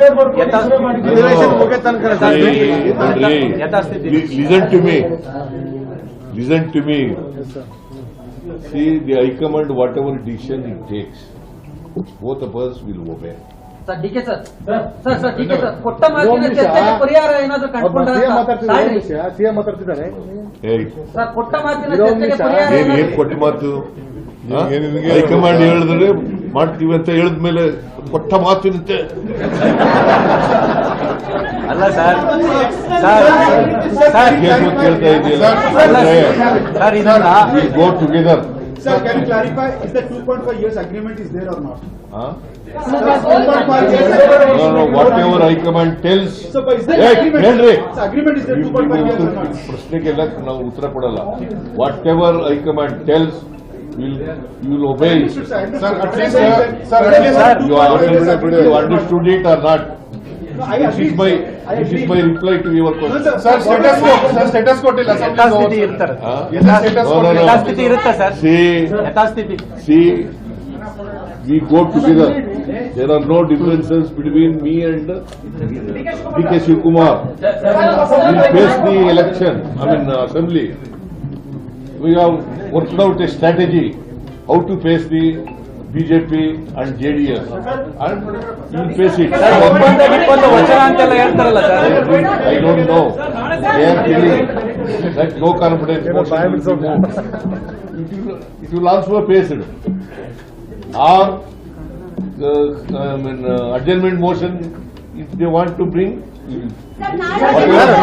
Listen to me. See, the High Command, whatever decision it takes, both of us will obey. Sir DK sir DK sir ಕೊಟ್ಟ ಮಾತಿನ ಚರ್ಚೆಗೆ ಪರಿಹಾರ ಏನಾದರೂ ಕಂಡುಕೊಂಡ್ರೆ CM ಮಾತಾಡ್ತಿದ್ದಾರೆ sir ಕೊಟ್ಟ ಮಾತಿನ ಚರ್ಚೆಗೆ ಪರಿಹಾರ ಏನ್ ಕೊಟ್ಟ ಮಾತು ಹೈಕಮಾಂಡ್ ಹೇಳಿದ್ರೆ ಮಾಡ್ತೀವಿ ಅಂತ ಹೇಳಿದ್ಮೇಲೆ ಕೊಟ್ಟ ಮಾತಿನಂತೆ ಅಲ್ಲ ಸರ್ ಕೇಳ್ತಾ ಇದೆಯಲ್ಲ go together. Sir, can you clarify, is the 2.5 years agreement is there or not? No, whatever High Command tells. So, but is there agreement? So, agreement is there 2.5 years or not? ಪ್ರಶ್ನೆಗೆಲ್ಲ ನಾವು ಉತ್ತರ ಕೊಡಲ್ಲ. Whatever High Command tells, you will obey. Sir, at least, you understood it or not? This is my reply to your question. Sir, status quo till assembly is over. ಯಥಾಸ್ಥಿತಿ ಇರುತ್ತೆ sir. ಯಥಾಸ್ಥಿತಿ. See, we go together. There are no differences between me and D.K. Shivakumar. We face the election, assembly. We have worked out a strategy how to face the BJP and JDS, and you will face it. ವಚನ ಅಂತೆಲ್ಲ ಹೇಳ್ತಾರಲ್ಲ sir. I don't know. They are telling that no confidence motion. It will also face it. Or adjournment motion, if they want to bring. Whatever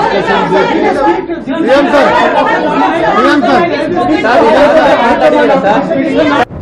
discussion they take.